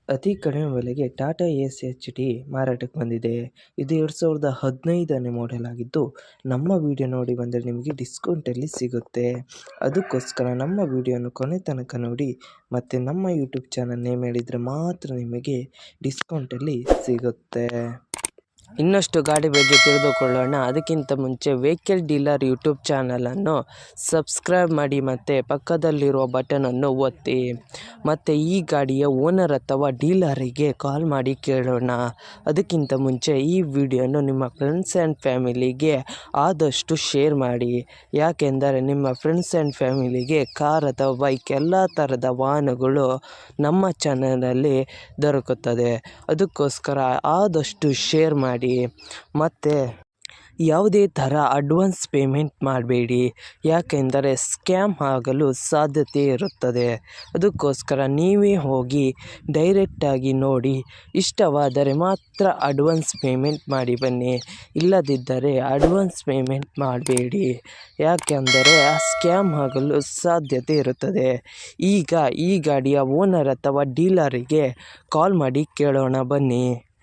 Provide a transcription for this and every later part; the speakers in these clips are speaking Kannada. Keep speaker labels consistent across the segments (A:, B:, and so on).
A: ಅತಿ ಕಡಿಮೆ ಬೆಲೆಗೆ ಟಾಟಾ ಏಸ್ ಎಚ್.ಡಿ ಮಾರಾಟಕ್ಕೆ ಬಂದಿದೆ. ಇದು 2015ನೇ ಮಾಡೆಲ್ ಆಗಿದ್ದು, ನಮ್ಮ ವಿಡಿಯೋ ನೋಡಿ ಬಂದರೆ ನಿಮಗೆ ಡಿಸ್ಕೌಂಟಲ್ಲಿ ಸಿಗುತ್ತೆ. ಅದಕ್ಕೋಸ್ಕರ ನಮ್ಮ ವಿಡಿಯೋನ ಕೊನೆ ತನಕ ನೋಡಿ ಮತ್ತು ನಮ್ಮ ಯೂಟ್ಯೂಬ್ ಚಾನಲ್ ನೇಮ್ ಹೇಳಿದರೆ ಮಾತ್ರ ನಿಮಗೆ ಡಿಸ್ಕೌಂಟಲ್ಲಿ ಸಿಗುತ್ತೆ. ಇನ್ನಷ್ಟು ಗಾಡಿ ಬಗ್ಗೆ ತಿಳಿದುಕೊಳ್ಳೋಣ. ಅದಕ್ಕಿಂತ ಮುಂಚೆ ವೆಹಿಕಲ್ ಡೀಲರ್ ಯೂಟ್ಯೂಬ್ ಚಾನಲನ್ನು ಸಬ್ಸ್ಕ್ರೈಬ್ ಮಾಡಿ ಮತ್ತು ಪಕ್ಕದಲ್ಲಿರುವ ಬಟನನ್ನು ಒತ್ತಿ. ಮತ್ತು ಈ ಗಾಡಿಯ ಓನರ್ ಅಥವಾ ಡೀಲರಿಗೆ ಕಾಲ್ ಮಾಡಿ ಕೇಳೋಣ. ಅದಕ್ಕಿಂತ ಮುಂಚೆ ಈ ವಿಡಿಯೋನು ನಿಮ್ಮ ಫ್ರೆಂಡ್ಸ್ ಆ್ಯಂಡ್ ಫ್ಯಾಮಿಲಿಗೆ ಆದಷ್ಟು ಶೇರ್ ಮಾಡಿ. ಯಾಕೆಂದರೆ ನಿಮ್ಮ ಫ್ರೆಂಡ್ಸ್ ಆ್ಯಂಡ್ ಫ್ಯಾಮಿಲಿಗೆ ಕಾರ್ ಅಥವಾ ಬೈಕ್ ಎಲ್ಲ ಥರದ ವಾಹನಗಳು ನಮ್ಮ ಚಾನಲಲ್ಲಿ ದೊರಕುತ್ತದೆ. ಅದಕ್ಕೋಸ್ಕರ ಆದಷ್ಟು ಶೇರ್ ಮಾಡಿ. ಮತ್ತು ಯಾವುದೇ ಥರ ಅಡ್ವಾನ್ಸ್ ಪೇಮೆಂಟ್ ಮಾಡಬೇಡಿ, ಯಾಕೆಂದರೆ ಸ್ಕ್ಯಾಮ್ ಆಗಲು ಸಾಧ್ಯತೆ ಇರುತ್ತದೆ. ಅದಕ್ಕೋಸ್ಕರ ನೀವೇ ಹೋಗಿ ಡೈರೆಕ್ಟಾಗಿ ನೋಡಿ, ಇಷ್ಟವಾದರೆ ಮಾತ್ರ ಅಡ್ವಾನ್ಸ್ ಪೇಮೆಂಟ್ ಮಾಡಿ ಬನ್ನಿ. ಇಲ್ಲದಿದ್ದರೆ ಅಡ್ವಾನ್ಸ್ ಪೇಮೆಂಟ್ ಮಾಡಬೇಡಿ, ಯಾಕೆಂದರೆ ಸ್ಕ್ಯಾಮ್ ಆಗಲು ಸಾಧ್ಯತೆ ಇರುತ್ತದೆ. ಈಗ ಈ ಗಾಡಿಯ ಓನರ್ ಅಥವಾ ಡೀಲರಿಗೆ ಕಾಲ್ ಮಾಡಿ ಕೇಳೋಣ ಬನ್ನಿ.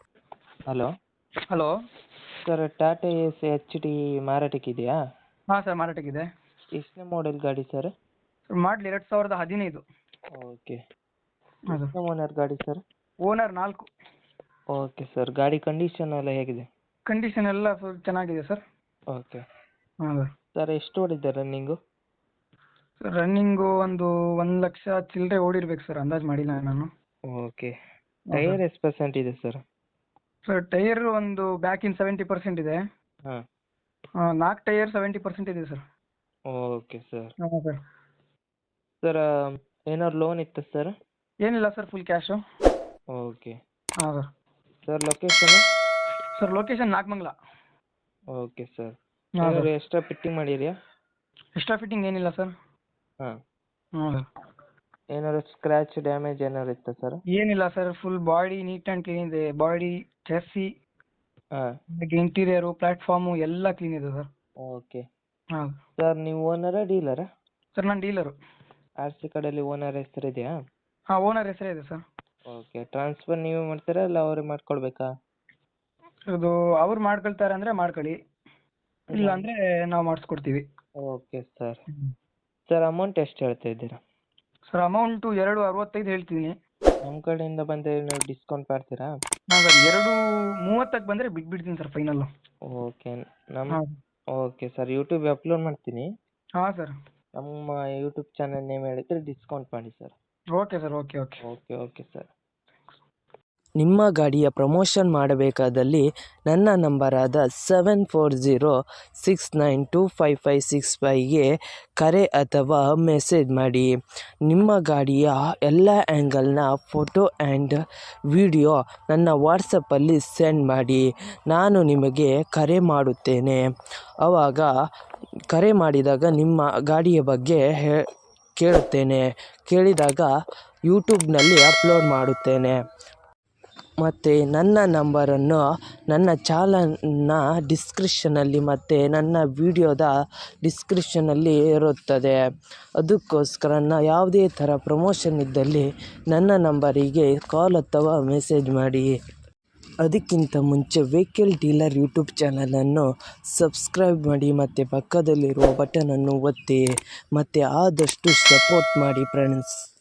B: Hello
A: sir, Tata Ace HD ಮಾರಾಟಕ್ಕಿದೆಯಾ?
B: ಹಾಂ ಸರ್, ಮಾರಾಟಕ್ಕಿದೆ.
A: ಎಷ್ಟನೇ ಮಾಡೆಲ್ ಗಾಡಿ ಸರ್?
B: ಮಾಡಲಿ 2015.
A: ಓಕೆ.
B: ಹೌದು.
A: ಎಷ್ಟನೇ ಓನರ್ ಗಾಡಿ ಸರ್?
B: ಓನರ್ 4.
A: Okay sir. ಗಾಡಿ ಕಂಡೀಷನ್ ಎಲ್ಲ ಹೇಗಿದೆ?
B: ಕಂಡೀಷನ್ ಎಲ್ಲ ಫುಲ್ ಚೆನ್ನಾಗಿದೆ ಸರ್.
A: ಓಕೆ
B: ಹೌದು
A: ಸರ್. ಎಷ್ಟು ಓಡಿದೆ ರನ್ನಿಂಗು?
B: ರನ್ನಿಂಗು ಒಂದು 1,00,000 ಚಿಲ್ಲರೆ ಓಡಿರ್ಬೇಕು ಸರ್, ಅಂದಾಜು ಮಾಡಿಲ್ಲ ನಾನು.
A: ಓಕೆ. ಟೈರ್ ಎಷ್ಟು ಪರ್ಸೆಂಟ್ ಇದೆ ಸರ್?
B: ಸರ್ ಟೈರ್ ಒಂದು ಬ್ಯಾಕಿನ್ 70% ಇದೆ.
A: ಹಾಂ.
B: 4 ಟೈರ್ 70% ಇದೆ ಸರ್.
A: Okay sir.
B: ಹಾಂ ಸರ್.
A: ಸರ್, ಏನಾದ್ರು ಲೋನ್ ಇತ್ತು ಸರ್?
B: ಏನಿಲ್ಲ ಸರ್, ಫುಲ್ ಕ್ಯಾಶು.
A: ಓಕೆ.
B: ಹಾಂ sir.
A: Sir, location?
B: Sir location Nagamangala.
A: Okay sir.
B: ಹಾಂ
A: ಏನಾದ್ರು
B: ಸರ್.
A: ಎಕ್ಸ್ಟ್ರಾ ಫಿಟ್ಟಿಂಗ್ ಮಾಡಿದೆಯಾ?
B: ಎಕ್ಸ್ಟ್ರಾ ಫಿಟ್ಟಿಂಗ್ ಏನಿಲ್ಲ ಸರ್.
A: ಹಾಂ.
B: ಹಾಂ ಸರ್.
A: ಏನಾದ್ರು ಸ್ಕ್ರ್ಯಾಚ್ ಡ್ಯಾಮೇಜ್ ಏನಾದ್ರು ಇತ್ತಾ ಸರ್?
B: ಏನಿಲ್ಲ sir, full body neat and clean body. ಬಾಡಿ, ಚೆಸ್ಸಿ,
A: ಹಾಂ.
B: ಇಂಟೀರಿಯರು, ಪ್ಲಾಟ್ಫಾರ್ಮು ಎಲ್ಲ ಕ್ಲೀನ್ ಇದೆ ಸರ್.
A: ಓಕೆ.
B: ಹಾಂ
A: ಸರ್, ನೀವು ಓನರಾ ಡೀಲರಾ?
B: ಸರ್, ನಾನು ಡೀಲರು.
A: ಆರ್ ಸಿ ಕಾರ್ಡಲ್ಲಿ ಓನರ್ ಹೆಸರಿದೆಯಾ?
B: ಹಾಂ, ಓನರ್ ಹೆಸರೇ ಇದೆ ಸರ್.
A: ಓಕೆ. ಟ್ರಾನ್ಸ್ಫರ್ ನೀವೇ ಮಾಡ್ತೀರಾ ಇಲ್ಲ ಅವ್ರಿಗೆ ಮಾಡ್ಕೊಳ್ಬೇಕಾ?
B: ಇದು ಅವ್ರು ಮಾಡ್ಕೊಳ್ತಾರೆ ಅಂದರೆ ಮಾಡ್ಕೊಳ್ಳಿ, ಇಲ್ಲ ಅಂದರೆ ನಾವು ಮಾಡಿಸ್ಕೊಡ್ತೀವಿ.
A: Okay sir. ಸರ್, ಅಮೌಂಟ್ ಎಷ್ಟು ಹೇಳ್ತಾ ಇದ್ದೀರಾ?
B: ಸರ್, ಅಮೌಂಟು 2,65 ಹೇಳ್ತೀನಿ.
A: ನಮ್ಮ ಕಡೆಯಿಂದ ಬಂದರೆ ನೀವು ಡಿಸ್ಕೌಂಟ್ ಮಾಡ್ತೀರಾ?
B: ಹಾಂ ಸರ್, 2,30ಕ್ಕೆ ಬಂದರೆ ಬಿಟ್ಬಿಡ್ತೀನಿ ಸರ್ ಫೈನಲ್ಲು.
A: ಓಕೆ.
B: ಹಾಂ.
A: Okay sir. ಯೂಟ್ಯೂಬ್ ಅಪ್ಲೋಡ್ ಮಾಡ್ತೀನಿ.
B: ಹಾಂ ಸರ್.
A: ನಮ್ಮ ಯೂಟ್ಯೂಬ್ ಚಾನಲ್ ನೇಮ್ ಹೇಳಿದ್ರೆ ಡಿಸ್ಕೌಂಟ್ ಮಾಡಿ sir.
B: Okay sir. Okay okay
A: okay okay sir. ನಿಮ್ಮ ಗಾಡಿಯ ಪ್ರಮೋಷನ್ ಮಾಡಬೇಕಾದಲ್ಲಿ ನನ್ನ ನಂಬರಾದ 7406925565ಗೆ ಕರೆ ಅಥವಾ ಮೆಸೇಜ್ ಮಾಡಿ. ನಿಮ್ಮ ಗಾಡಿಯ ಎಲ್ಲ ಆ್ಯಂಗಲ್ನ ಫೋಟೋ ಆ್ಯಂಡ್ ವಿಡಿಯೋ ನನ್ನ ವಾಟ್ಸಪ್ಪಲ್ಲಿ ಸೆಂಡ್ ಮಾಡಿ. ನಾನು ನಿಮಗೆ ಕರೆ ಮಾಡುತ್ತೇನೆ. ಆವಾಗ ಕರೆ ಮಾಡಿದಾಗ ನಿಮ್ಮ ಗಾಡಿಯ ಬಗ್ಗೆ ಕೇಳುತ್ತೇನೆ. ಕೇಳಿದಾಗ ಯೂಟ್ಯೂಬ್ನಲ್ಲಿ ಅಪ್ಲೋಡ್ ಮಾಡುತ್ತೇನೆ. ಮತ್ತು ನನ್ನ ನಂಬರನ್ನು ನನ್ನ ಚಾನಲ್ನ ಡಿಸ್ಕ್ರಿಪ್ಷನಲ್ಲಿ ಮತ್ತು ನನ್ನ ವಿಡಿಯೋದ ಡಿಸ್ಕ್ರಿಪ್ಷನಲ್ಲಿ ಇರುತ್ತದೆ. ಅದಕ್ಕೋಸ್ಕರ ಯಾವುದೇ ಥರ ಪ್ರಮೋಷನ್ ಇದ್ದಲ್ಲಿ ನನ್ನ ನಂಬರಿಗೆ ಕಾಲ್ ಅಥವಾ ಮೆಸೇಜ್ ಮಾಡಿ. ಅದಕ್ಕಿಂತ ಮುಂಚೆ ವೆಹಿಕಲ್ ಡೀಲರ್ ಯೂಟ್ಯೂಬ್ ಚಾನಲನ್ನು ಸಬ್ಸ್ಕ್ರೈಬ್ ಮಾಡಿ ಮತ್ತು ಪಕ್ಕದಲ್ಲಿರುವ ಬಟನನ್ನು ಒತ್ತಿ ಮತ್ತು ಆದಷ್ಟು ಸಪೋರ್ಟ್ ಮಾಡಿ ಫ್ರೆಂಡ್ಸ್.